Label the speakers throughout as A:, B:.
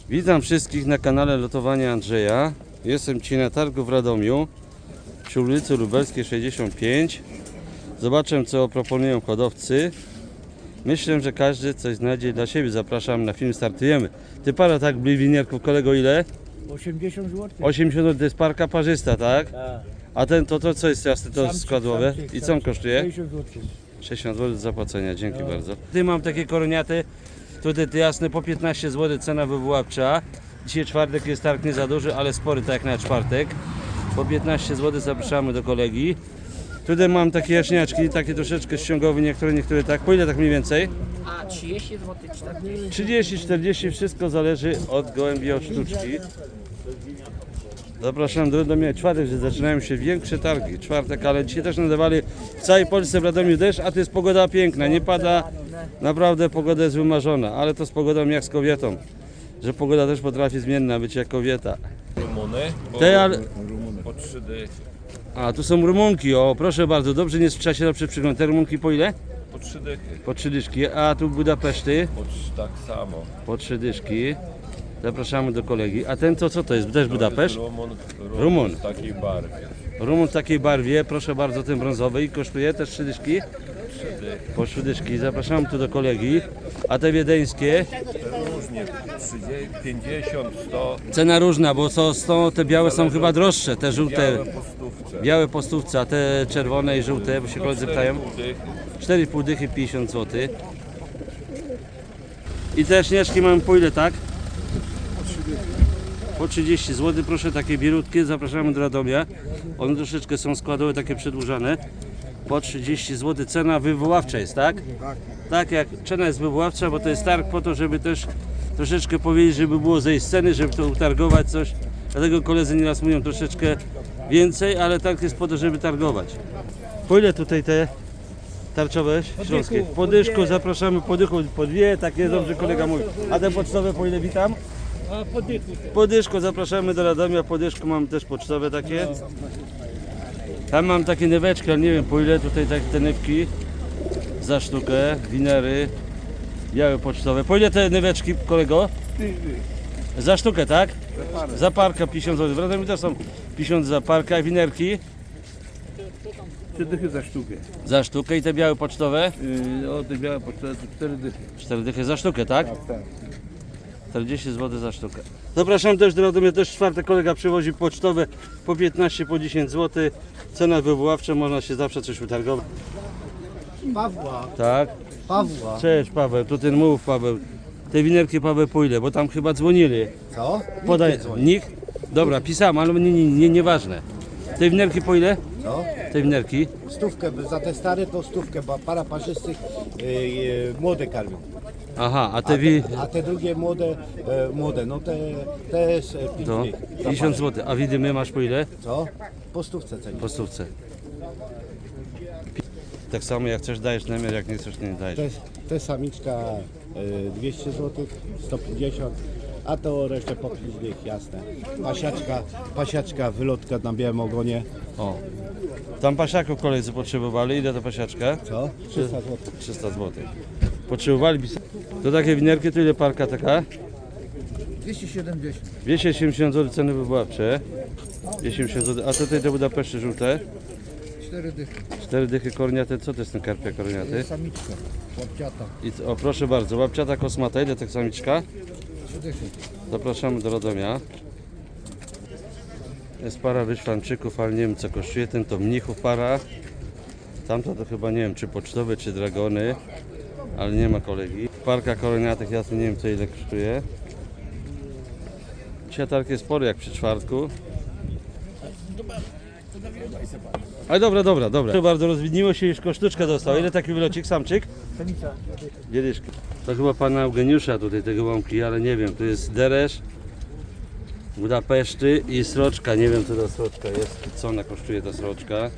A: Witam wszystkich na kanale Lotowania Andrzeja. Jestem dzisiaj na targu w Radomiu przy ulicy Lubelskiej 65. Zobaczę, co proponują hodowcy. Myślę, że każdy coś znajdzie dla siebie. Zapraszam na film, startujemy. Ty para tak bliwinierków, kolego, ile?
B: 80 zł.
A: 80 zł, to jest parka parzysta, tak?
B: Tak.
A: A ten to co jest jasne, to
B: Samczyk,
A: składłowe?
B: samczyk,
A: I co on kosztuje?
B: 60 zł.
A: 60 zł do zapłacenia, dzięki bardzo. Ty mam takie koroniaty, tutaj te jasne po 15 zł, cena wywoławcza. Dzisiaj czwartek jest targ nie za duży, ale spory tak jak na czwartek. Po 15 zł zapraszamy do kolegi. Tutaj mam takie jaśniaczki, takie troszeczkę ściągowe, niektóre tak. Po ile tak mniej więcej?
C: A 30 zł, 40.
A: 30, 40, wszystko zależy od gołębi, od sztuczki. Zapraszam do Radomia. Czwartek, że zaczynają się większe targi. Czwartek, ale dzisiaj też nadawali w całej Polsce w Radomiu deszcz, a to jest pogoda piękna. Nie pada, naprawdę pogoda jest wymarzona, ale to z pogodą jak z kobietą. Że pogoda też potrafi zmienna być jak kobieta.
D: Rumuny po 3 dychy.
A: A tu są rumunki, o proszę bardzo, dobrze nie sprzedaje się na przygląd. Te rumunki po ile?
D: Po 3 dychy.
A: Po 3 dyszki, a tu Budapeszty
D: Tak samo.
A: po 3 dyszki. Zapraszamy do kolegi. A ten to co to jest? Też Budapeszt?
D: Rumun.
A: Rumun.
D: W takiej barwie.
A: Rumun w takiej barwie, proszę bardzo, ten brązowy i kosztuje też 3 dyszki?
D: 3 dychy.
A: Po 3 dyszki, zapraszamy tu do kolegi. A te wiedeńskie?
D: Różnie 30, 50, 100.
A: Cena różna, bo te białe są chyba droższe, te żółte.
D: Białe po stówce.
A: Białe po stówce, a te czerwone i żółte, bo się koledzy pytają. 4,5 dychy, 50 zł. I te śnieżki mamy po ile, tak? Po 30 zł, proszę, takie bielutkie, zapraszamy do Radomia. One troszeczkę są składowe, takie przedłużane. Po 30 zł, cena wywoławcza jest, tak? Tak, jak cena jest wywoławcza, bo to jest targ po to, żeby też troszeczkę powiedzieć, żeby było zejść z ceny, żeby to utargować coś. Dlatego koledzy nieraz mówią troszeczkę więcej, ale targ jest po to, żeby targować. Po ile tutaj te tarczowe śląskie? Po dyszku, zapraszamy po dychu, po dwie, tak jest dobrze kolega mówi. A te pocztowe po ile, witam?
B: A po dychu.
A: Po dyszku zapraszamy do Radomia, po dyszku mamy też pocztowe takie. Tam mam takie nyweczki, ale nie wiem po ile, tutaj takie te nywki za sztukę, winery, białe pocztowe. Po ile te nyweczki, kolego? Za sztukę, tak? Za parkę 50 zł. W Radomiu też są 50 za parkę, a winerki?
B: 3 dychy za sztukę.
A: Za sztukę i te białe pocztowe?
B: O, te białe pocztowe to 4 dychy.
A: 4 dychy za sztukę, tak?
B: Tak.
A: 40 zł za sztukę. Zapraszam też do Radomia, też czwartek kolega przywozi pocztowe po 15, po 10 zł. Cena wywoławcza, można się zawsze coś utargować.
B: Pawła.
A: Tak?
B: Pawła.
A: Cześć Paweł, tu ten mów Paweł. Te winerki Paweł po ile? Bo tam chyba dzwonili.
B: Co?
A: Podaj. Nikt? Dobra, pisałem, ale nieważne. Te winerki po ile?
B: Co?
A: Te winerki?
B: Stówkę, za te stare to stówkę, bo para parzystych młode karmią.
A: Aha, a te wi...
B: A te drugie młode, no te jest 5
A: To
B: dych.
A: 50 zł. A widymy masz po ile?
B: Co? Po stówce cenie.
A: Po stówce. Tak samo jak chcesz dajesz namiar, jak nie chcesz nie dajesz.
B: Te samiczka 200 zł, 150, a to resztę po 5 dych, jasne. Pasiaczka, wylotka na białym ogonie.
A: O. Tam pasiaków koledzy potrzebowali. Ile to pasiaczka?
B: Co? 300 zł.
A: 300 zł. Potrzebowali to takie winerki, to ile parka taka?
B: 270.
A: 270 zł ceny wywoławcze. 270 zł. A tutaj te Budapeszty żółte?
B: 4 dychy.
A: 4 dychy korniate. Co to jest ten karpia korniaty?
B: Samiczka, łapciata,
A: O proszę bardzo, łapciata kosmata. Ile tak samiczka?
B: 3 dychy.
A: Zapraszamy do Radomia. Jest para wyszwanczyków, ale nie wiem co kosztuje. Ten to mnichów para. Tamto to chyba nie wiem czy pocztowe, czy dragony. Ale nie ma kolegi. Parka koroniatych, ja tu nie wiem co ile kosztuje. Dzisiaj targ jest spory jak przy czwartku. Ale dobra. Proszę bardzo, rozwidniło się, już sztuczka dostała. Ile taki wylocik, samczyk?
B: Samica.
A: Bieliszki. To chyba pana Eugeniusza tutaj tego łąki, ale nie wiem. Tu jest deresz, Budapeszty i sroczka. Nie wiem co ta sroczka jest, co ona kosztuje ta sroczka.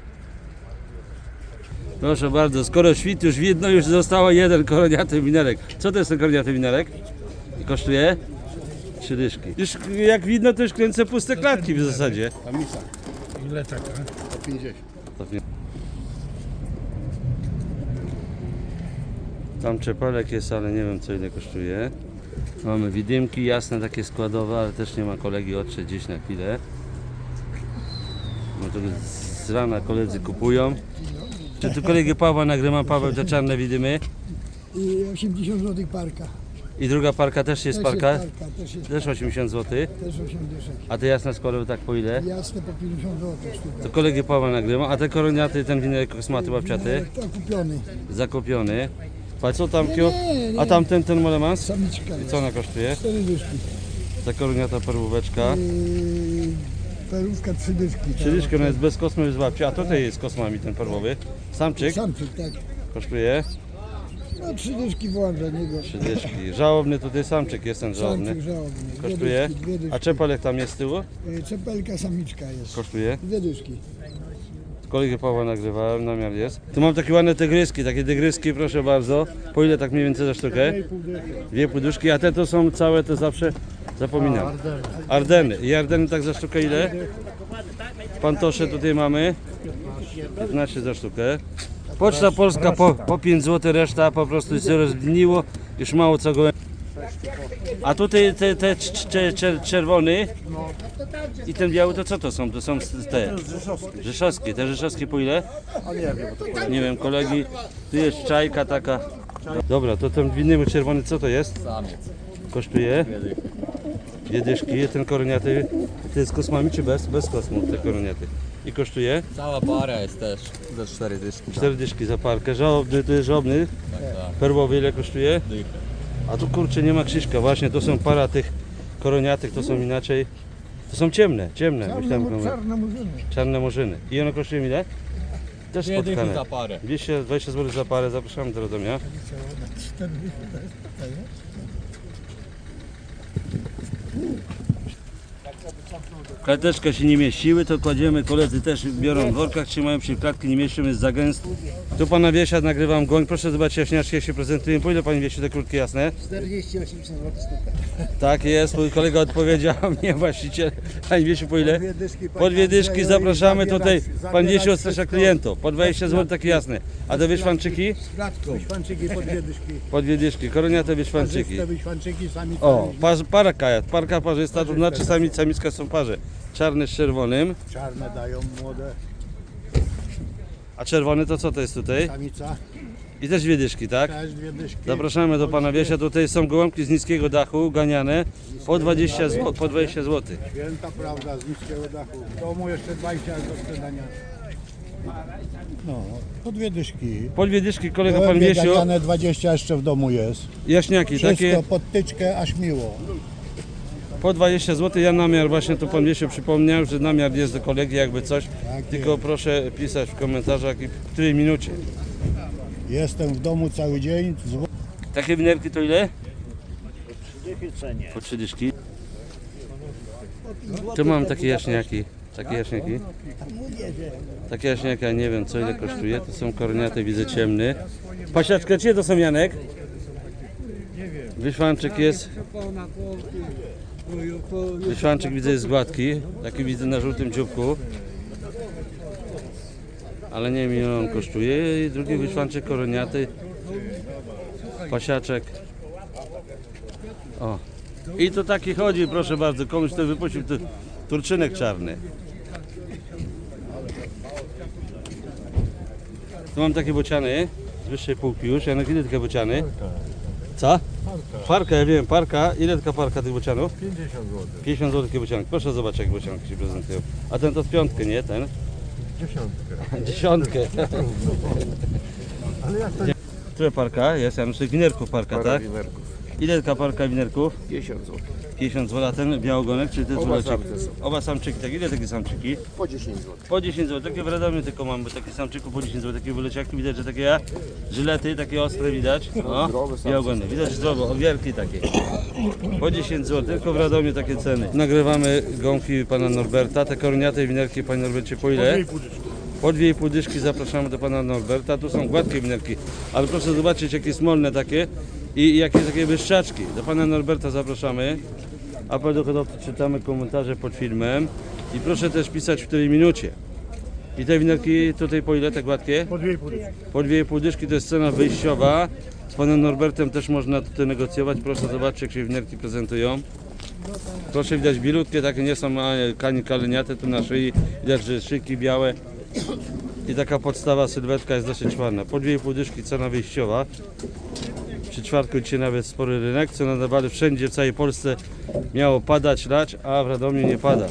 A: Proszę bardzo, skoro świt już widno, już zostało jeden koroniaty winerek. Co to jest ten koroniaty winerek? I kosztuje? 3 dyszki. Już jak widno, to już kręcę puste klatki w zasadzie.
B: Samica. Ile taka? 150.
A: Tam czepelek jest, ale nie wiem co ile kosztuje. Mamy widymki jasne, takie składowe, ale też nie ma kolegi, odszedł gdzieś na chwilę. No to z rana koledzy kupują. Czy tu kolegę Pawła nagrywam? Paweł, te czarne widymy.
E: I 80 zł parka.
A: I druga parka też jest parka?
E: Też jest
A: Też 80 zł.
E: też 8 dyszek.
A: A te jasne składowe tak po ile?
E: Jasne po 50 zł sztuka.
A: To kolegę Pawła nagrywam. A te koroniaty, ten winerek kosmaty łapciaty?
E: To kupiony.
A: Zakupiony. A co tam kio?
E: nie.
A: A tamten, ten molemans?
E: Samiczka jest.
A: Co ona kosztuje?
E: 4 dyszki.
A: Ta koroniata perłóweczka.
E: Perówka 3 dyszki.
A: Przydyszka, ona jest bez kosmy, bez łapci. A tutaj jest kosmami ten perłowy. Samczyk
E: Samczyk, tak.
A: kosztuje
E: No 3 dyszki wołam za niego.
A: 3 dyszki. Żałobny tutaj samczyk jest ten żałobny.
E: Samczyk żałobny. Dwie
A: Kosztuje.
E: dyszki, 2 dyszki.
A: A czepelek tam jest z tyłu?
E: Czepelka samiczka jest.
A: Kosztuje.
E: 2 dyszki.
A: Kolegę Pawła nagrywałem, namiar jest. Tu mam takie ładne tygryski, takie tygryski, proszę bardzo. Po ile tak mniej więcej za sztukę? 2,5 dyszki, a te to są całe, to zawsze zapominam. Ardeny. I Ardeny tak za sztukę ile? Pantosze tutaj mamy. 15 za sztukę. Poczta Polska po 5 zł, reszta po prostu się rozgniło. Już mało co go. A tutaj te czerwony i ten biały to co to są? To są te rzeszowskie. Te rzeszowskie po ile? Nie wiem, kolegi. Tu jest czajka taka. Dobra, to ten winny czerwony co to jest?
C: Samiec.
A: Kosztuje? 2 dyszki. Ten koroniaty to jest z kosmami czy bez? Bez kosmów te koroniaty. I kosztuje?
C: Cała para jest też za 4 dyszki.
A: 4 dyszki za parkę. Żałobny to jest żałobny.
C: Tak.
A: Perłowy ile kosztuje?
C: Dychę.
A: A tu kurczę nie ma Krzyśka, właśnie to są para tych koroniatych, to są inaczej. To są ciemne. Myślałem,
E: Czarne murzyny.
A: czarne murzyny. I one kosztują ile? Też
C: 2 dychy
A: spotkane.
C: za parę.
A: 220 zł za parę, zapraszamy do Radomia. Klateczka się nie mieściły, to kładziemy, koledzy też biorą w workach, trzymają się, klatki nie mieszczą, jest za gęsto. Tu pana Wiesia nagrywam goń, proszę zobaczyć jaśniaczki jak się prezentują. Po ile pani Wiesiu te krótkie jasne?
E: 40-80 zł sztuka.
A: Tak jest, mój kolega odpowiedział, nie właściciel. Pani Wiesiu, po ile? Po 2 dyszki, zapraszamy tutaj. Pan Wiesiu odstrasza klientów. Po 20 zł takie jasne. A te wyszwanczyki?
B: Wyświanczyki po 2 dyszki.
A: Po 2 dyszki. Koroniate wyszwanczyki.
B: Te wyświanczyki sami
A: O, parka parzysta, to znaczy samiczka są parze. Czarny z czerwonym.
B: czarne dają młode.
A: A czerwony to co to jest tutaj?
B: Samica
A: I też 2 dyszki, tak?
B: też 2 dyszki.
A: Zapraszamy do pana Wiesia. Tutaj są gołąbki z niskiego dachu, ganiane. Po 20 zł.
B: Święta prawda z niskiego dachu. W domu jeszcze 20 do sprzedania. No, po 2 dyszki.
A: Po 2 dyszki kolega pan Wiesiu.
B: Ganiane 20 jeszcze w domu jest.
A: Jaśniaki
B: Wszystko
A: takie.
B: pod tyczkę, aż miło.
A: Po 20 zł, ja namiar właśnie tu pan Wiesiu przypomniał, że namiar jest do kolegi jakby coś, tylko proszę pisać w komentarzach i w której minucie.
B: Jestem w domu cały dzień.
A: Takie winerki to ile? Po 3 dyszki. Tu mam takie jaśniaki. Takie jaśniaki. Takie jaśniaki, ja nie wiem co ile kosztuje, to są koroniate, widzę ciemny. Pasiaczka, czyje to są Janek? Wyszwanczyk jest. Wyszwanczyk widzę jest gładki, taki widzę na żółtym dzióbku. Ale nie wiem ile on kosztuje. I drugi wyszwanczyk koroniaty. Pasiaczek. O. I to taki chodzi, proszę bardzo, komuś to wypuścił turczynek czarny. Tu mam takie bociany z wyższej półki już. Janek, ile takie bociany? Co? Parka, ja wiem, parka. Ile taka parka tych bocianów?
B: 50 zł.
A: 50 zł takie bocianki. Proszę zobaczyć jak bocianki się prezentują. A ten to z piątkę, nie? Ten? Dziesiątkę.
B: Ale jak to
A: Które parka jest? Ja myślę winerków parka, tak? Ile taka parka winerków?
D: 50 zł.
A: 50 zł, a ten białogonek, czy te
D: Oba
A: złocie?
D: samce są.
A: Oba samczyki, tak? Ile takie samczyki?
D: Po 10 zł.
A: Po 10 zł, takie w Radomiu tylko mam, bo takie samczyku po 10 zł, takie wyleciaki widać, że takie żylety, takie ostre widać. No,
D: Zdrowe samce.
A: białogony, widać zdrowo, o wielki takie. Po 10 zł, tylko w Radomiu takie ceny. Nagrywamy gąbki pana Norberta, te koroniate winerki, panie Norbercie, po ile? Po 2,5 dyszki zapraszamy do pana Norberta. Tu są gładkie winerki, ale proszę zobaczyć jakie smolne takie i jakie takie wyszczaczki. Do pana Norberta zapraszamy. Apel do hodowcy, czytamy komentarze pod filmem i proszę też pisać w której minucie. I te winerki tutaj po ile te gładkie?
B: po 2,5 dyszki.
A: Po 2,5 dyszki to jest cena wyjściowa. panem Norbertem też można tutaj negocjować. Proszę zobaczyć, jak się winerki prezentują. Proszę, widać bielutkie, takie nie są kani kaleniate tu na szyi. Widać, że szyjki białe. I taka podstawa sylwetka jest dosyć ładna. Po 2,5 dyszki cena wyjściowa. Przy czwartku dzisiaj nawet spory rynek. Cena nawale wszędzie w całej Polsce miało padać, lać, a w Radomiu nie pada.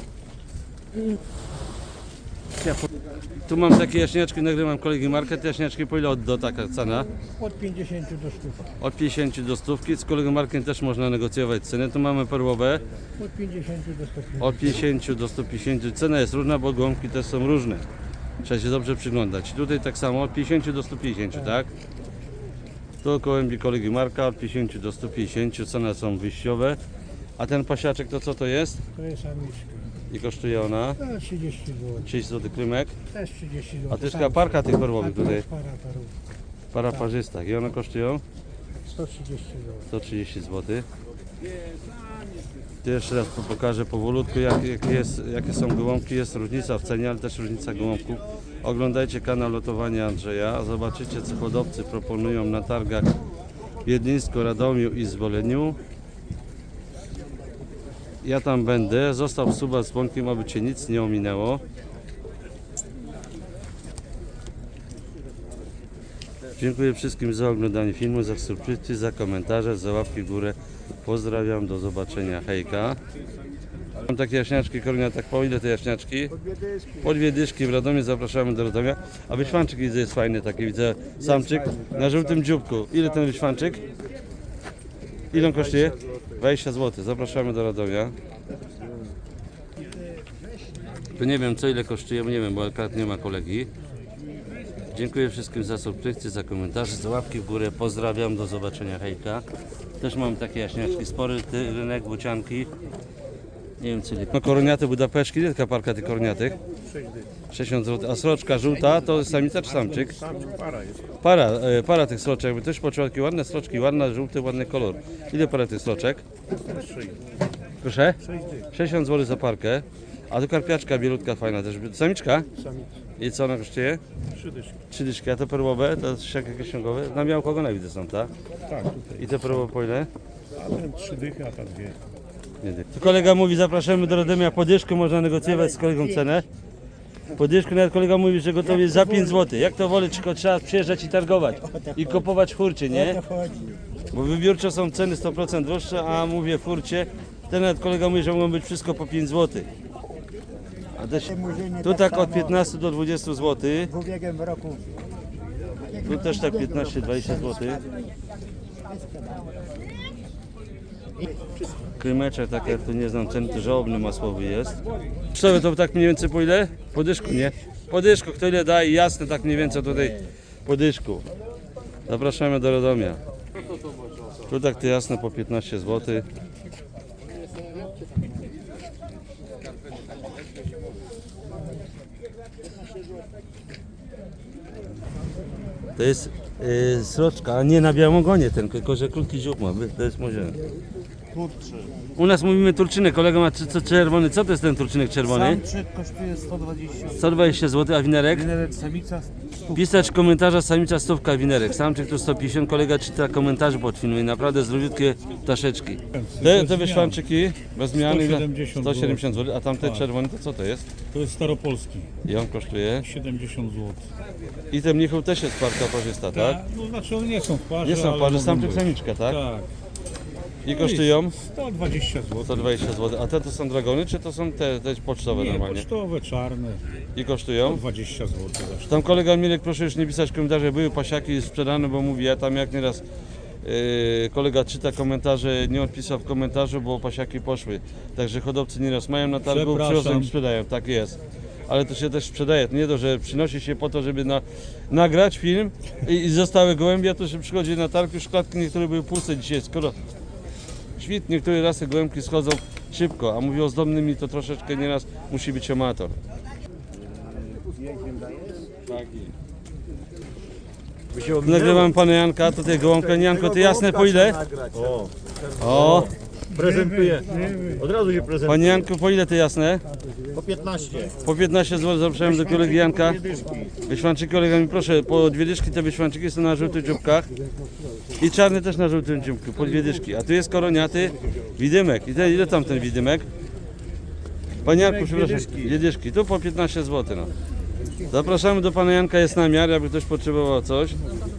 A: Tu mam takie jaśniaczki, nagrywam kolegi market. Jaśniaczki po ile do taka cena?
E: Od 50 do 100.
A: Od 50 do 100. Z kolegą markiem też można negocjować cenę. Tu mamy perłowe.
E: Od 50 do 150.
A: Od 50 do 150. Cena jest różna, bo gołąbki też są różne. Trzeba się dobrze przyglądać. Tutaj tak samo od 50 do 150, tak? Tu gołębi kolegi Marka od 50 do 150. Ceny są wyjściowe. A ten pasiaczek to co to jest?
E: To jest samiczka.
A: I kosztuje ona?
E: To 30 zł.
A: 30 zł krymek.
E: Też 30 zł.
A: A to jest taka parka tych perłowych
E: To
A: tutaj.
E: jest para parów.
A: Para parzystach. I one kosztują
E: 130 zł.
A: 130 zł. Tu jeszcze raz pokażę powolutku jakie są gołąbki. Jest różnica w cenie, ale też różnica gołąbków. Oglądajcie kanał Lotowania Andrzeja. Zobaczycie, co hodowcy proponują na targach w Wiedlińsku, Radomiu i Zboleniu. Ja tam będę. Zostaw suba z dzwonkiem, aby Cię nic nie ominęło. Dziękuję wszystkim za oglądanie filmu, za subskrypcję, za komentarze, za łapki w górę. Pozdrawiam, do zobaczenia, hejka. Mam takie jaśniaczki, Kornia, tak po ile te jaśniaczki? Po 2 dyszki w Radomiu, zapraszamy do Radomia. A wyświanczyk widzę jest fajny, taki widzę, samczyk na żółtym dzióbku. Ile ten wyświanczyk? Ile on kosztuje? 20 zł, zapraszamy do Radomia. Tu nie wiem co ile kosztuje, bo nie wiem, bo akurat nie ma kolegi. Dziękuję wszystkim za subskrypcję, za komentarze, za łapki w górę. Pozdrawiam, do zobaczenia, hejka. Też mam takie jaśniaczki, spory rynek, bocianki. Nie wiem co ile. No koroniate budapeszki, ile taka parka tych koroniatych? 60 zł. A sroczka żółta to samica czy samczyk? Para tych sroczek, by też poczuła takie ładne sroczki, ładny, żółty, ładny kolor. Ile para tych sroczek? Proszę? 60 zł za parkę. A tu karpiaczka bielutka fajna też. Samiczka? I co ona kosztuje? 3 dyszki. A te perłowe, to jest jakieś księgowe? Na białko ogona widzę są, tak?
F: Tak, tutaj.
A: I te perłowe po ile?
F: A ten 3 dychy, a ta 2.
A: Tu kolega mówi, zapraszamy do Radomia, po dyszku można negocjować z kolegą cenę. Po dyszku nawet kolega mówi, że gotowy jest za 5 zł. Jak to woli, tylko trzeba przyjeżdżać i targować. I kupować w hurcie, nie? Bo wybiórczo są ceny 100% droższe, a mówię w hurcie. Ten nawet kolega mówi, że mogą być wszystko po 5 zł. A też, tu tak od 15 do 20 zł.
E: W ubiegłym roku.
A: Tu też tak 15-20 zł. Krymeczek tak jak tu nie znam ceny, to żałobny masłowy jest. Cztery to tak mniej więcej po ile? Po dyszku, nie? Po dyszku, kto ile daje, jasne, tak mniej więcej tutaj po dyszku. Zapraszamy do Radomia. Tu tak to jasne po 15 zł. To jest sroczka, a nie na białym ogonie ten, tylko że krótki dziób ma, to jest może. U nas mówimy turczynek, kolega ma co czerwony, co to jest ten turczynek czerwony?
G: Samczyk kosztuje 120
A: 120 zł, a winerek?
G: winerek, samica 100.
A: Pisać komentarza, samica stówka, winerek. Samczyk tu 150, kolega czyta komentarze pod filmem, naprawdę zdrowiutkie ptaszeczki. Te wyszwanczyki bez zmiany 170 zł, a tamte czerwone to co to jest?
F: To jest staropolski,
A: I on kosztuje?
F: 70 zł.
A: I ten mnichów też jest parka parzysta, tak?
F: No znaczy one nie są w parze,
A: Nie są
F: ale
A: parze,
F: mogą
A: samczyk,
F: być.
A: samiczka, tak?
F: Tak.
A: I kosztują?
F: 120 zł.
A: 120 zł. A te to są dragony, czy to są te pocztowe
F: Nie,
A: normalnie?
F: pocztowe, czarne.
A: I kosztują?
F: 20 zł. zresztą.
A: Tam kolega Mirek, proszę już nie pisać komentarzy, były pasiaki sprzedane, bo mówi, ja tam jak nieraz kolega czyta komentarze, nie odpisał w komentarzu, bo pasiaki poszły. Także hodowcy nieraz mają na targu,
F: Przepraszam.
A: przychodzą i sprzedają, tak jest. Ale to się też sprzedaje, to nie to, że przynosi się po to, żeby nagrać film i zostały gołębie, a to się przychodzi na targ, już klatki niektóre były puste dzisiaj, skoro świt, niektóre rasy gołębki schodzą szybko, a mówię o zdobnymi, to troszeczkę nieraz musi być amator. Nagrywam pana Janka, tutaj gołąbka. Janko, to jasne po ile? O,
H: Prezentuję. Od razu się prezentuje.
A: panie Janku, po ile to jasne?
H: Po 15.
A: Po 15 zł zapraszam do kolegi Janka. Wyświanczyki kolega mi proszę, po 2 dyszki te wyświanczyki są na żółtych dzióbkach. I czarny też na żółtym dzióbku, po 2 dyszki. A tu jest koroniaty widymek. I ten, ile tam ten widymek? Panie Janku, przepraszam, 2 dyszki. Tu po 15 zł. No. Zapraszamy do pana Janka, jest namiar, jakby ktoś potrzebował coś.